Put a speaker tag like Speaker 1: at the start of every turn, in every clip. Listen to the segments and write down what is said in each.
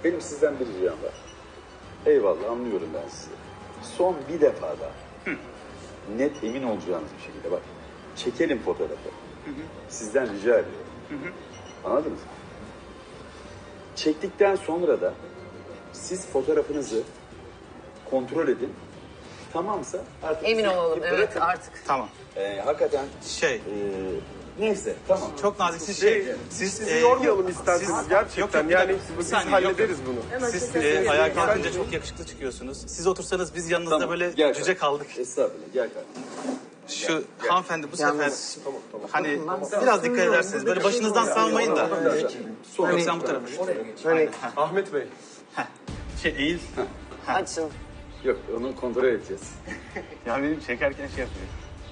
Speaker 1: benim sizden bir ricam var. Eyvallah, anlıyorum ben sizi. Son bir defa daha net emin olacağınız bir şekilde bak. Çekelim fotoğrafı. Sizden rica ediyorum. Anladınız mı? Çektikten sonra da siz fotoğrafınızı kontrol edin. Tamamsa artık...
Speaker 2: Emin olalım, evet
Speaker 1: bırakın.
Speaker 2: artık.
Speaker 3: Tamam.
Speaker 1: Hakikaten... Neyse, tamam.
Speaker 3: Çok naziksiniz.
Speaker 4: Sizi yormayalım isterseniz gerçekten.
Speaker 3: Yok,
Speaker 4: yani
Speaker 3: bir
Speaker 4: biz
Speaker 3: saniye,
Speaker 4: hallederiz
Speaker 3: yok.
Speaker 4: bunu.
Speaker 3: Siz ayağa kalkınca çok yakışıklı çıkıyorsunuz. Siz otursanız biz yanınızda
Speaker 1: Tamam,
Speaker 3: böyle
Speaker 1: gel
Speaker 3: cüce
Speaker 1: kardeşim.
Speaker 3: kaldık.
Speaker 1: Estağfurullah, gel kardeşim.
Speaker 3: Şu hanımefendi bu sefer hani biraz dikkat ederseniz böyle başınızdan salmayın da. Yok sen bu tarafa.
Speaker 4: Hani Ahmet Bey.
Speaker 3: Eğil.
Speaker 2: Açın.
Speaker 1: Yok, onu kontrol edeceğiz.
Speaker 3: Ya benim çekerken şey yapıyor.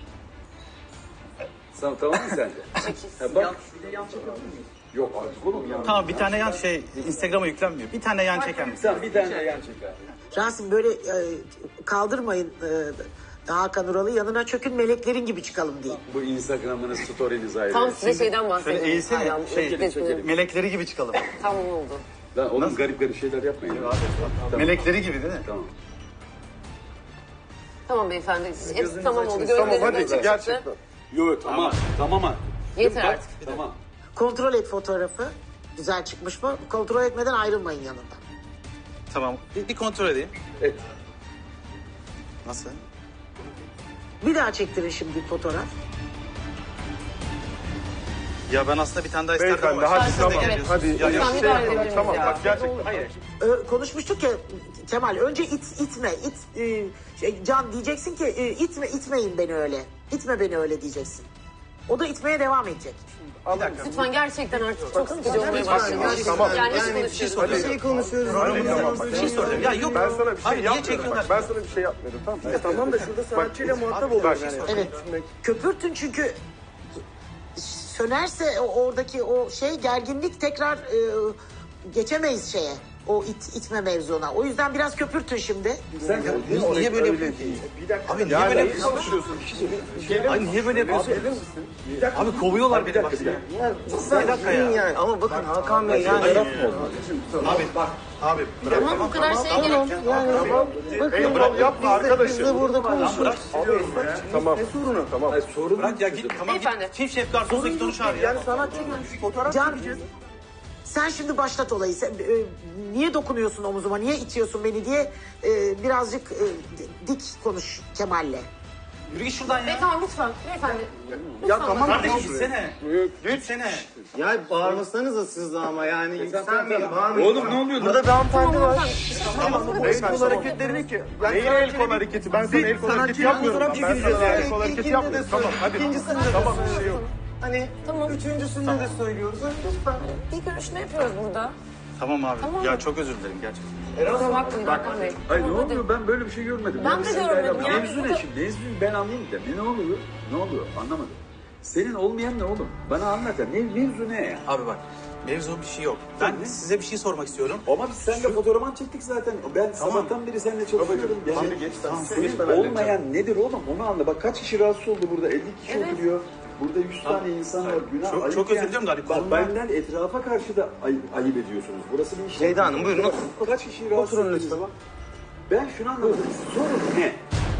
Speaker 1: Tamam mı sence? Ha, bak. Yok artık oğlum ya.
Speaker 3: Tamam bir tane yan Instagram'a yüklenmiyor. Bir tane yan çeker misin?
Speaker 1: Tamam, bir tane de yan çek abi.
Speaker 5: Rasim böyle kaldırmayın Hakan Ural'ı, yanına çökün, meleklerin gibi çıkalım diye.
Speaker 1: Bu Instagram'ınız, story'niz ayrı.
Speaker 2: Tam size şeyden bahsedeyim.
Speaker 3: Şöyle eğilsene.
Speaker 2: Aynen,
Speaker 1: çekelim.
Speaker 3: Melekleri gibi çıkalım.
Speaker 2: Tamam oldu.
Speaker 1: Lan oğlum garip garip şeyler yapmayın.
Speaker 3: Melekleri gibi değil mi?
Speaker 1: Tamam.
Speaker 2: Tamam beyefendi. Hepsi tamam oldu.
Speaker 4: Tamam
Speaker 2: Gözlerim
Speaker 4: hadi
Speaker 2: açık
Speaker 4: gerçekten.
Speaker 2: çıktı.
Speaker 1: Yok tamam. Tamam ha.
Speaker 2: Yeter
Speaker 1: Bak,
Speaker 2: artık.
Speaker 1: Tamam.
Speaker 5: Kontrol et fotoğrafı. Güzel çıkmış mı? Kontrol etmeden ayrılmayın yanından.
Speaker 3: Tamam. Bir kontrol edeyim.
Speaker 1: Et.
Speaker 3: Nasıl?
Speaker 5: Bir daha çektirin şimdi bir fotoğraf.
Speaker 3: Ya ben aslında bir tane daha isterdim
Speaker 4: Beyefendi
Speaker 3: ama.
Speaker 4: hadi
Speaker 3: siz de
Speaker 4: tamam.
Speaker 3: geliyorsunuz.
Speaker 4: Hadi
Speaker 3: Ya,
Speaker 2: Lütfen
Speaker 4: şey
Speaker 2: müdahale
Speaker 4: yapalım.
Speaker 2: edebiliriz
Speaker 4: Tamam
Speaker 2: ya.
Speaker 4: bak gerçekten.
Speaker 3: Hayır.
Speaker 5: Konuşmuştuk ya Kemal, önce itme. Can diyeceksin ki itmeyin beni öyle. İtme beni öyle diyeceksin. O da itmeye devam edecek.
Speaker 2: Lütfen gerçekten artık çok sıkıcı olmaya başladı.
Speaker 4: Tamam.
Speaker 2: Yani hiç
Speaker 3: Bir şey
Speaker 2: konuşuyoruz.
Speaker 3: soracağım.
Speaker 4: Tamam.
Speaker 3: Bir şey soracağım. Ya yok.
Speaker 4: Ben sana bir şey
Speaker 3: Abi niye
Speaker 4: yapmıyorum.
Speaker 3: çekiyorlar?
Speaker 4: Bak, ben sana bir şey yapmıyorum. Tamam.
Speaker 6: Tamam da şurada sanatçıyla muhatap oluyoruz yani.
Speaker 5: Evet. Köpürtün çünkü sönerse oradaki o gerginlik tekrar geçemeyiz şeye. O itme mevzuna. O yüzden biraz köpürtün şimdi.
Speaker 1: Sen
Speaker 3: Niye böyle yapıyorsun?
Speaker 6: Bir dakika.
Speaker 3: Abi niye böyle
Speaker 4: Ne
Speaker 3: yapıyorsun?
Speaker 4: konuşuyorsun? Bir şey
Speaker 3: Abi niye böyle yapıyorsun?
Speaker 4: Gelir misin?
Speaker 3: Abi kovuyorlar beni bak.
Speaker 6: Bir dakika yani. Ama bakın Hakan Bey yani.
Speaker 3: Abi bak. Abi bırak.
Speaker 2: Tamam bu kadar şeye gerek yok.
Speaker 4: Eyvallah yapma arkadaşım.
Speaker 6: Biz de burada konuşuyoruz.
Speaker 4: Tamam. Ne sorunu? Tamam.
Speaker 1: sorun
Speaker 3: Bırak ya git. Tamam git.
Speaker 2: Beyefendi.
Speaker 3: Çift şef garsonsa git onu çağır ya.
Speaker 6: Yani sanatçı gelmiş fotoğraf
Speaker 5: Can,
Speaker 6: çekeceğiz.
Speaker 5: sen şimdi başlat olayı. Sen, niye dokunuyorsun omuzuma, niye itiyorsun beni diye birazcık dik konuş Kemal'le.
Speaker 3: Yürü git şuradan ya.
Speaker 2: Tamam lütfen. Beyefendi.
Speaker 6: Ya tamam.
Speaker 3: Kardeşim gitsene. Gitsene.
Speaker 6: Ya bağırmasanıza siz de ama yani yükselmeyin, bağırmayın.
Speaker 1: Oğlum ne oluyor?
Speaker 6: Burada bir hanımefendi var.
Speaker 4: El
Speaker 6: kol hareketlerini ki.
Speaker 4: Neyin el kol hareketi? Ben sana el kol hareketi yapmıyorum. Ben sana el kol hareketi yapmıyorum. Tamam hadi.
Speaker 6: İkincisinde de
Speaker 4: Tamam bir şey yok.
Speaker 6: Hani üçüncüsünde de söylüyoruz. Lütfen.
Speaker 2: İlk görüşme yapıyoruz burada.
Speaker 3: Tamam abi.
Speaker 2: Tamam.
Speaker 3: Ya çok özür dilerim gerçekten.
Speaker 2: Kusura bakmayın Hakan Bey.
Speaker 1: Ay ne
Speaker 2: Tamam, hadi.
Speaker 1: oluyor? Ben böyle bir şey görmedim.
Speaker 2: Ben de görmedim ya.
Speaker 1: Mevzu ne şimdi? Mevzu ben anlayayım da. Ne oluyor? Ne oluyor? Anlamadım. Senin olmayan ne oğlum? Bana anlat ya. Mevzu ne ya?
Speaker 3: Abi bak. Mevzu bir şey yok. Ben size bir şey sormak istiyorum.
Speaker 1: Ama biz seninle fotoğrafman çektik zaten. Ben sabahtan beri seninle çalışıyorum.
Speaker 4: Şimdi geç sen.
Speaker 1: Senin olmayan nedir oğlum? Onu anla. Bak kaç kişi rahatsız oldu burada? 50 kişi oturuyor. Burada 100 tane insan var. Günah.
Speaker 3: Çok-
Speaker 1: ayıp
Speaker 3: çok özür diliyorum da hani
Speaker 1: Bak
Speaker 3: konular-
Speaker 1: benden etrafa karşı da ayıp ediyorsunuz. Burası bir iş.
Speaker 6: Ceyda Hanım, buyurun, oturun.
Speaker 1: Kaç kişi rahatsız
Speaker 6: Oturun
Speaker 1: ettiniz?
Speaker 6: lütfen.
Speaker 1: Ben şunu anlamadım. Sorun ne?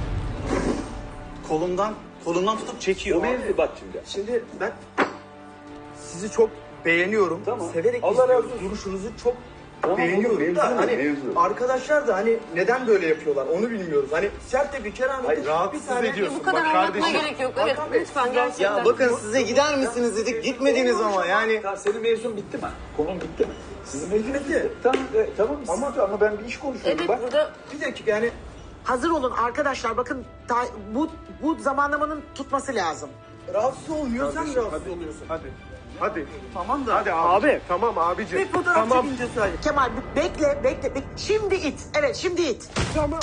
Speaker 3: Kolumdan tutup çekiyor.
Speaker 1: O mevzu bak şimdi.
Speaker 6: Şimdi ben sizi çok beğeniyorum.
Speaker 1: Tamam.
Speaker 6: Severek
Speaker 1: Allah
Speaker 6: izliyorum.
Speaker 1: razı olsun.
Speaker 6: Duruşunuzu çok
Speaker 1: Tamam,
Speaker 6: beğeniyorum.
Speaker 1: mevzu
Speaker 6: Da
Speaker 1: ne?
Speaker 6: hani
Speaker 1: Mevzu.
Speaker 6: arkadaşlar da hani neden böyle yapıyorlar onu bilmiyoruz. Hani sert de bir keramete
Speaker 1: Hayır,
Speaker 6: bir
Speaker 4: rahatsız
Speaker 6: tane.
Speaker 4: ediyorsun.
Speaker 2: Bu kadar
Speaker 4: Bak
Speaker 2: anlatmaya
Speaker 4: kardeşim.
Speaker 2: gerek yok. Evet lütfen gerçekten.
Speaker 6: Ya bakın size gider misiniz dedik gitmediniz ama yani.
Speaker 1: Tamam, senin mevzun bitti mi? Konun bitti mi? Sizin mevzun bitti. Tamam ama ben bir iş konuşuyorum.
Speaker 2: Evet
Speaker 1: Bak.
Speaker 2: burada
Speaker 6: Bir dakika yani
Speaker 5: Hazır olun arkadaşlar, bakın bu zamanlamanın tutması lazım.
Speaker 6: rahatsız olmuyorsan rahatsız oluyorsun.
Speaker 4: Hadi. Hadi.
Speaker 6: Tamam da.
Speaker 4: Hadi abi. Tamam abicim.
Speaker 6: Bir fotoğraf
Speaker 4: Tamam.
Speaker 6: çekince sadece.
Speaker 5: Kemal bekle. Şimdi it. Evet şimdi it.
Speaker 4: Tamam.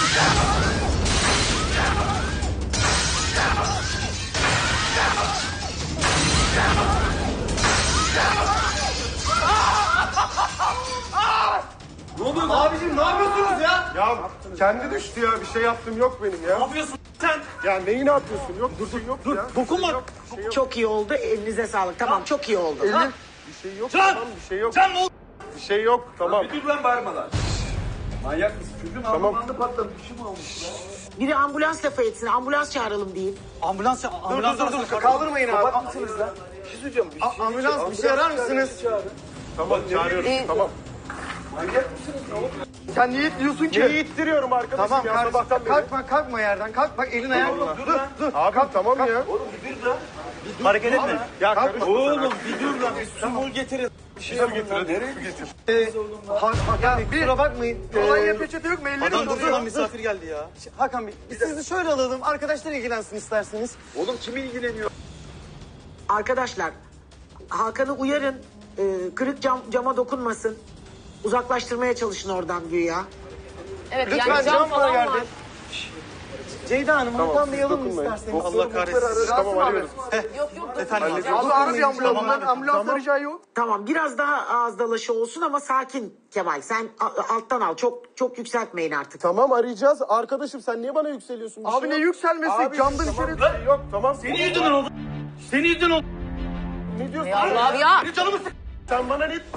Speaker 1: Ne oluyor?
Speaker 6: Abicim ne yapıyorsunuz ya?
Speaker 4: Ya kendi düştü ya. Bir şey yaptım yok benim ya.
Speaker 3: Ne yapıyorsun sen?
Speaker 4: Ya neyi ne yapıyorsun? Yok dur yok ya.
Speaker 3: Dokunma.
Speaker 4: Bir şey yok.
Speaker 5: Çok iyi oldu. Elinize sağlık. Tamam çok iyi oldu.
Speaker 4: Bir şey yok.
Speaker 3: Can!
Speaker 4: Tamam bir şey yok.
Speaker 3: Can ne oldu?
Speaker 4: Bir şey yok. Tamam.
Speaker 1: Bir dur lan bağırma lan. Manyak mısın? Çocuğun alnı patlamış. Bir şey mi olmuş lan?
Speaker 5: Biri ambulans lafı etsin. Ambulans çağıralım deyin.
Speaker 3: Ambulans
Speaker 6: Dur. Kaldırmayın abi.
Speaker 1: Kapat mısınız lan? Bir şey söyleyeceğim.
Speaker 6: Ambulans bir şey arar mısınız?
Speaker 4: Tamam çağırıyorum. Tamam.
Speaker 1: Manyak mısınız? Ne oldu?
Speaker 6: Sen niye itliyorsun ki?
Speaker 4: Neyi ittiriyorum arkadaşım
Speaker 6: Tamam
Speaker 4: ya
Speaker 6: kardeşim.
Speaker 4: sabahtan beri.
Speaker 6: Kalkma yerden. Kalk bak elin ayağın. Dur.
Speaker 4: Abi tamam ya.
Speaker 1: Oğlum bir dur lan.
Speaker 3: Hareket etme.
Speaker 4: Ya karışma.
Speaker 3: Oğlum bir dur lan. Bir su mul getirin.
Speaker 4: Su getir hadi. Su getir.
Speaker 6: Yani kusura bakmayın. Olaya peçete yok mu? Elleri
Speaker 3: Adam
Speaker 6: oluyor.
Speaker 3: durmadan misafir geldi ya.
Speaker 6: Hakan Bey biz sizi şöyle alalım. Arkadaşlar ilgilensin isterseniz.
Speaker 1: Oğlum kim ilgileniyor?
Speaker 5: Arkadaşlar Hakan'ı uyarın. Kırık cama dokunmasın. Uzaklaştırmaya çalışın oradan güya.
Speaker 2: Evet
Speaker 6: Lütfen
Speaker 2: yani
Speaker 6: cam
Speaker 2: cam
Speaker 6: bana
Speaker 2: falan
Speaker 6: geldi.
Speaker 2: var.
Speaker 6: Ceyda Hanım Hakan Bey'i alın mı
Speaker 4: dokunmayın.
Speaker 6: isterseniz?
Speaker 3: Allah kahretsin.
Speaker 4: Tamam arıyoruz.
Speaker 2: Yok yok.
Speaker 3: Efendim abi.
Speaker 6: Abi ara bir ambulans.
Speaker 3: Tamam abi.
Speaker 6: Ambulans arayacağı yok.
Speaker 5: Tamam biraz daha ağız dalaşı olsun ama sakin Kemal. Sen alttan al. Çok yükseltmeyin artık.
Speaker 4: Tamam arayacağız. Arkadaşım sen niye bana yükseliyorsun? Bir
Speaker 6: Abi
Speaker 4: şey
Speaker 6: ne
Speaker 4: yok.
Speaker 6: yükselmesi?
Speaker 4: Abi,
Speaker 6: Camdan
Speaker 4: tamam,
Speaker 6: içeri...
Speaker 4: bir şey yok tamam.
Speaker 3: Senin yüzünden oldu. Senin yüzünden oldu.
Speaker 4: Ne diyorsun?
Speaker 2: Allah ya.
Speaker 4: Sen bana ne...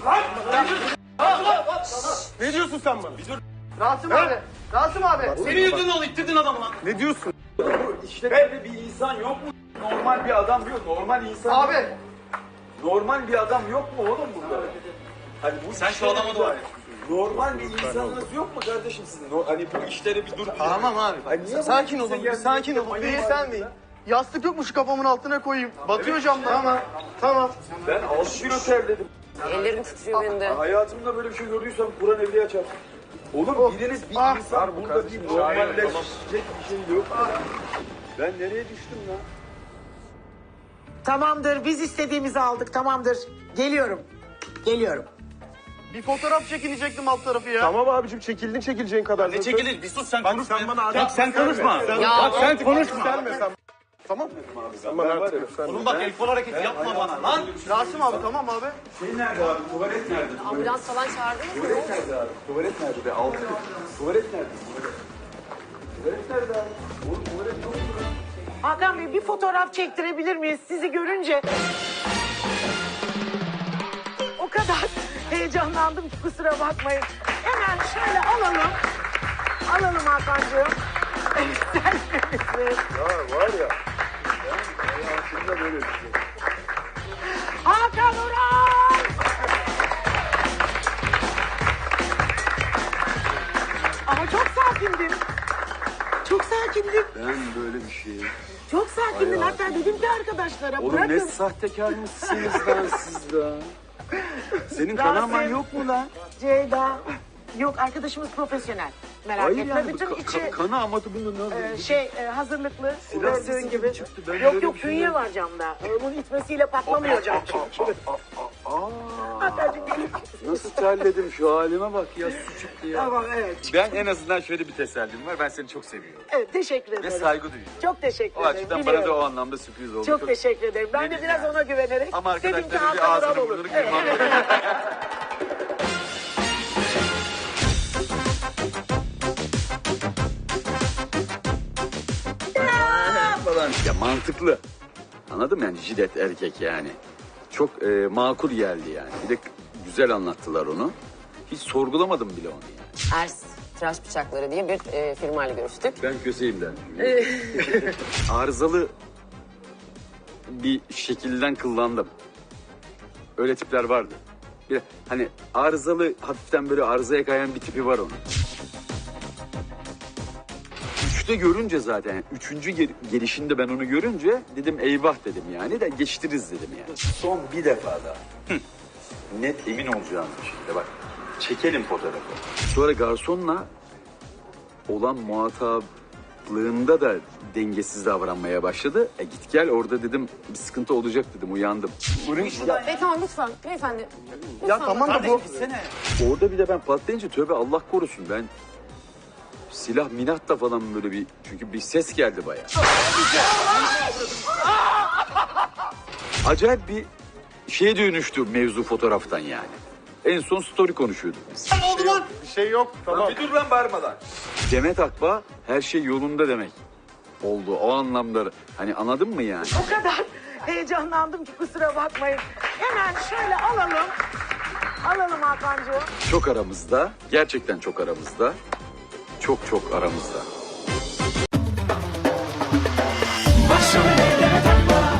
Speaker 4: Ne diyorsun sen bana?
Speaker 6: Rasim abi. Rasim abi.
Speaker 3: Senin yüzünden oldu. İttirdin adamı lan.
Speaker 4: Ne diyorsun?
Speaker 1: İşte böyle bir insan yok mu? Normal bir adam yok. Normal insan
Speaker 6: Abi.
Speaker 1: yok mu? Normal bir adam yok mu oğlum burada? Hani bu
Speaker 3: Sen şu
Speaker 1: işlere
Speaker 3: adama
Speaker 1: bir
Speaker 3: doğru.
Speaker 1: Normal bir insanınız yok mu kardeşim sizin? Hani bu işlere bir dur.
Speaker 6: Tamam abi.
Speaker 1: Ay niye
Speaker 6: Sakin
Speaker 1: bu
Speaker 6: olun.
Speaker 1: kimse
Speaker 6: Bir
Speaker 1: geldi?
Speaker 6: sakin olun.
Speaker 1: Ayıp
Speaker 6: Bir
Speaker 1: var
Speaker 6: sen
Speaker 1: ya.
Speaker 6: değil. Yastık yok mu şu kafamın altına koyayım? Batıyor camdan. Tamam.
Speaker 1: Ben 6 kilo terledim.
Speaker 2: Ellerim titriyor benim de.
Speaker 1: Hayatımda böyle bir şey gördüysem Kur'an evliya çarpsın. Oğlum biriniz bir insan burada bir normalleşecek bir şey yok. Ben nereye düştüm lan?
Speaker 5: Tamamdır. Biz istediğimizi aldık. Tamamdır. Geliyorum.
Speaker 6: Bir fotoğraf çekilecektim alt tarafı ya.
Speaker 4: Tamam abicim çekildin çekileceğin kadar.
Speaker 3: Ne çekilir? Bir sus sen
Speaker 4: Bak
Speaker 3: konuşma.
Speaker 4: sen bana
Speaker 3: Bak
Speaker 4: artık
Speaker 3: sen konuşma.
Speaker 2: Ya.
Speaker 3: Sen konuşma.
Speaker 4: Selme sen. Tamam. Sen bana artık yükselme.
Speaker 3: Oğlum bak el kol hareketi yapma bana lan.
Speaker 6: Rasim abi tamam abi.
Speaker 1: Şey nerede abi? Tuvalet nerede?
Speaker 2: Ambulans falan çağırdınız mı?
Speaker 1: Tuvalet nerede abi? Tuvalet nerede be? Altı. Tuvalet nerede? Tuvalet nerede abi? Oğlum tuvalet yok mu lan?
Speaker 5: Hakan Bey bir fotoğraf çektirebilir miyiz? Sizi görünce o kadar heyecanlandım ki kusura bakmayın. Hemen şöyle alalım. Alalım Hakan'cığım. Selfie'mizi.
Speaker 1: Ya var ya. Ben hayatımda böyle bir şey.
Speaker 5: Hakan Ural! Ama çok sakindin. Çok sakindin.
Speaker 1: Ben böyle bir şey.
Speaker 5: Çok sakindin. Hatta dedim ki arkadaşlara
Speaker 1: Oğlum ne
Speaker 5: bırakın.
Speaker 1: sahtekar mısınız lan siz lan? Senin kanaman yok mu lan?
Speaker 5: Ceyda. Yok arkadaşımız profesyonel. Merak
Speaker 1: Hayır
Speaker 5: etme.
Speaker 1: yani
Speaker 5: Bütün içi
Speaker 1: kana ama bunu nasıl?
Speaker 5: hazırlıklı.
Speaker 1: Silah
Speaker 5: Gördüğün
Speaker 1: sesi
Speaker 5: gibi.
Speaker 1: çıktı. Ben
Speaker 5: Yok
Speaker 1: böyle
Speaker 5: yok
Speaker 1: bir şey
Speaker 5: künye
Speaker 1: yok.
Speaker 5: var camda. Bunun itmesiyle patlamıyor cam çünkü. Hakan'cığım gelin.
Speaker 1: Nasıl terledim şu halime bak ya su çıktı ya.
Speaker 5: Tamam evet.
Speaker 1: Ben en azından şöyle bir tesellim var. Ben seni çok seviyorum.
Speaker 5: Evet teşekkür
Speaker 1: Ve
Speaker 5: ederim.
Speaker 1: saygı duyuyorum.
Speaker 5: Çok teşekkür
Speaker 1: O
Speaker 5: ederim.
Speaker 1: açıdan bana da
Speaker 5: biliyorum.
Speaker 1: o anlamda sürpriz oldu.
Speaker 5: Çok teşekkür ederim. Ben de
Speaker 1: Dedim
Speaker 5: biraz
Speaker 1: yani.
Speaker 5: ona güvenerek
Speaker 1: Ama
Speaker 5: dedim ki
Speaker 1: arkadaşlarım bir
Speaker 5: Hakan
Speaker 1: ağzını
Speaker 5: Ural olur.
Speaker 1: burnunu kırmam. falan. Ya mantıklı. Anladın mı yani jilet erkek yani. Çok makul geldi yani. Bir de güzel anlattılar onu. Hiç sorgulamadım bile onu yani.
Speaker 2: Ers Tıraş Bıçakları diye bir firmayla görüştük.
Speaker 1: Ben köseyimden. Arızalı bir şekilden kıllandım. Öyle tipler vardı. Bir de hani arızalı hafiften böyle arızaya kayan bir tipi var onun. Üçte görünce zaten yani üçüncü gelişinde ben onu görünce dedim eyvah dedim yani de geçtiririz dedim yani. Son bir defa daha. Net emin olacağınız bir şekilde bak çekelim fotoğrafı. Sonra garsonla olan muhataplığında da dengesiz davranmaya başladı. Git gel orada dedim bir sıkıntı olacak dedim uyandım.
Speaker 2: Tamam lütfen beyefendi.
Speaker 6: Ya tamam da bu.
Speaker 3: Gitsene.
Speaker 1: Orada bir de ben patlayınca tövbe Allah korusun ben silah minatla falan böyle bir çünkü bir ses geldi bayağı. Acayip bir şeye dönüştü mevzu fotoğraftan yani. En son story konuşuyorduk biz.
Speaker 4: Bir şey yok tamam.
Speaker 1: dur lan bağırma lan. Demet Akbağ her şey yolunda demek oldu o anlamda. Hani anladın mı yani?
Speaker 5: O kadar heyecanlandım ki kusura bakmayın. Hemen şöyle alalım. Alalım Hakan'cığım.
Speaker 1: Çok aramızda, gerçekten çok aramızda, çok çok aramızda.
Speaker 7: Başrol eyleme takma.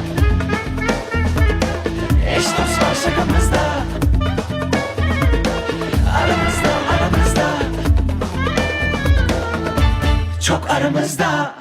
Speaker 7: Eş dost var şakamızda. Aramızda, aramızda. Çok aramızda.